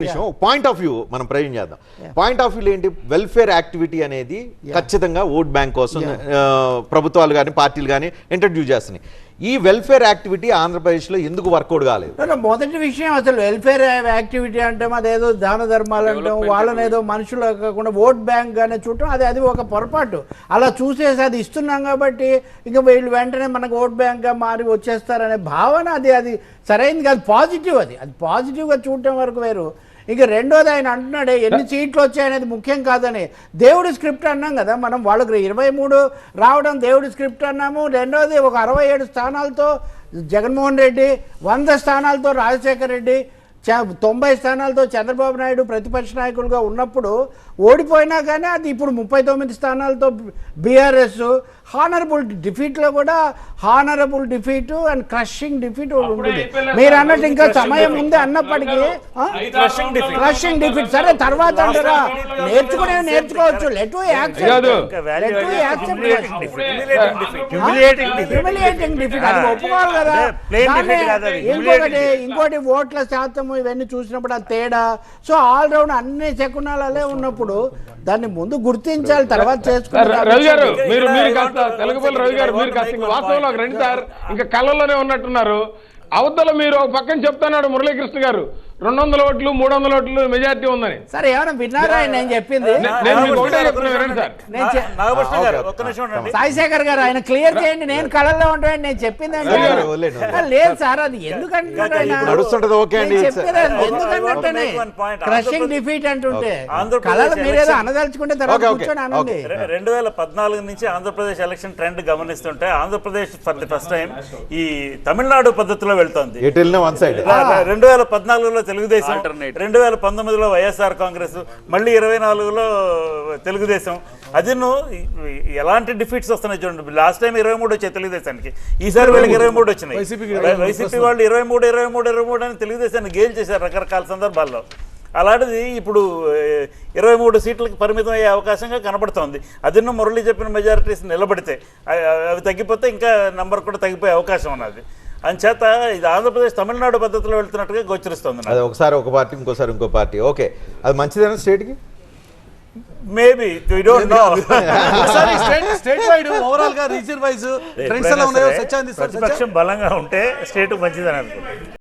Point of view మనం ప్రయోజనం చేద్దాం. పాయింట్ ఆఫ్ వ్యూ ఏంటి, వెల్ఫేర్ యాక్టివిటీ అనేది ఖచ్చితంగా ఓట్ బ్యాంక్ కోసం ప్రభుత్వాలు కానీ పార్టీలు కానీ ఇంట్రడ్యూస్ చేస్తున్నాయి. ఈ వెల్ఫేర్ యాక్టివిటీ ఆంధ్రప్రదేశ్లో ఎందుకు వర్కౌట్ కాలేదు? మొదటి విషయం అసలు వెల్ఫేర్ యాక్టివిటీ అంటే అదేదో దాన ధర్మాలు అంటాం, వాళ్ళని ఏదో మనుషులు కాకుండా ఓట్ బ్యాంక్ గానే చూడటం, అది ఒక పొరపాటు. అలా చూసేసి అది ఇస్తున్నాం కాబట్టి ఇంకా వీళ్ళు వెంటనే మనకు ఓట్ బ్యాంక్గా మారి వచ్చేస్తారనే భావన అది సరైనది కాదు. పాజిటివ్ అది పాజిటివ్గా చూడటం వరకు వేరు. ఇక రెండోది ఆయన అంటున్నాడే ఎన్ని సీట్లు వచ్చాయనేది ముఖ్యం కాదని. దేవుడి స్క్రిప్ట్ అన్నాం కదా మనం, వాళ్ళకి 23 రావడం దేవుడి స్క్రిప్ట్ అన్నాము. రెండోది ఒక 67 స్థానాలతో జగన్మోహన్ రెడ్డి, 100 స్థానాలతో రాజశేఖర రెడ్డి, 90 స్థానాలతో చంద్రబాబు నాయుడు ప్రతిపక్ష నాయకులుగా ఉన్నప్పుడు ఓడిపోయినా కానీ అది ఇప్పుడు 39 స్థానాలతో బీఆర్ఎస్ హానరబుల్ డిఫీట్లో కూడా honourable defeat and crushing defeat ఉంటుంది. మీరు అన్నట్టు ఇంకా సమయం ఉంది అన్నప్పటికీ క్రషింగ్ డిఫీట్ సరే తర్వాత అంటారా, నేర్చుకోవచ్చు. లెట్ హ్యూమిలియేటింగ్ డిఫీట్ అది ఒప్పుకోవాలి కదా. ఇంకోటి ఓట్ల శాతం ఇవన్నీ చూసినప్పుడు ఆ తేడా. సో ఆల్ రౌండ్ అన్ని శకునాలే ఉన్నప్పుడు దాన్ని ముందు గుర్తించాలి, తర్వాత చేసుకుంటారు. రవి గారు మీరు తెలుగుపల్లి రవి గారు మీరు వాస్తవంలో రండి సార్, ఇంకా కళ్ళల్లోనే ఉన్నట్టున్నారు. అవతల మీరు ఒక పక్కన చెప్తున్నాడు మురళీకృష్ణ గారు 200 ఓట్లు 300 ఓట్లు మెజారిటీ ఉందని. సరే ఏమైనా విన్నారా నేను చెప్పింది? సాయిశేఖర్ గారు ఆయన క్లియర్ చేయండి. నేను కళల్లో ఉంటాను నేను చెప్పింది లేదు సార్, అది ఎందుకంటున్నాడు ఆయన ఎందుకంటే క్రషింగ్ డిఫీట్ అంటుంటే కళలు మీరేదో అనదలుచుకుంటే తర్వాత కూర్చొని అనండి. 2014 నుంచి ఆంధ్రప్రదేశ్ ఎలక్షన్ ట్రెండ్ గమనిస్తుంటే Andhra Pradesh for the first time ఈ తమిళనాడు పద్ధతిలో వెళ్తోంది. 2014లో తెలుగుదేశం, 2019లో వైఎస్ఆర్ కాంగ్రెస్, మళ్ళీ 24లో తెలుగుదేశం. అది ఎలాంటి డిఫీట్స్ వస్తున్నాయి చూడండి. లాస్ట్ టైం 23 వచ్చాయి తెలుగుదేశానికి, ఈసారి వీళ్ళకి 23 వచ్చినాయి. వైసీపీ వాళ్ళు 23 అని తెలుగుదేశాన్ని గేల్ చేశారు రకరకాల సందర్భాల్లో. అలాంటిది ఇప్పుడు 23 సీట్లకు పరిమితం అయ్యే అవకాశంగా కనబడుతోంది. అదిన్నో మురళి చెప్పిన మెజారిటీస్ నిలబడితే అవి తగ్గిపోతే ఇంకా నంబర్ కూడా తగ్గిపోయే అవకాశం ఉన్నది. అంచేత ఇది ఆంధ్రప్రదేశ్ తమిళనాడు పద్ధతిలో వెళ్తున్నట్టుగా గోచరిస్తుంది. అది ఒకసారి ఒక పార్టీ ఇంకోసారి ఇంకో పార్టీ. ఓకే, అది మంచిదేనా స్టేట్కి? Maybe we don't know. State wide overall గా రీజన్ వైజ్ ట్రెండ్స్ ఎలా ఉన్నాయో ప్రతిపక్షం బలంగా ఉంటే స్టేట్ మంచిదని అనుకుంటున్నాను.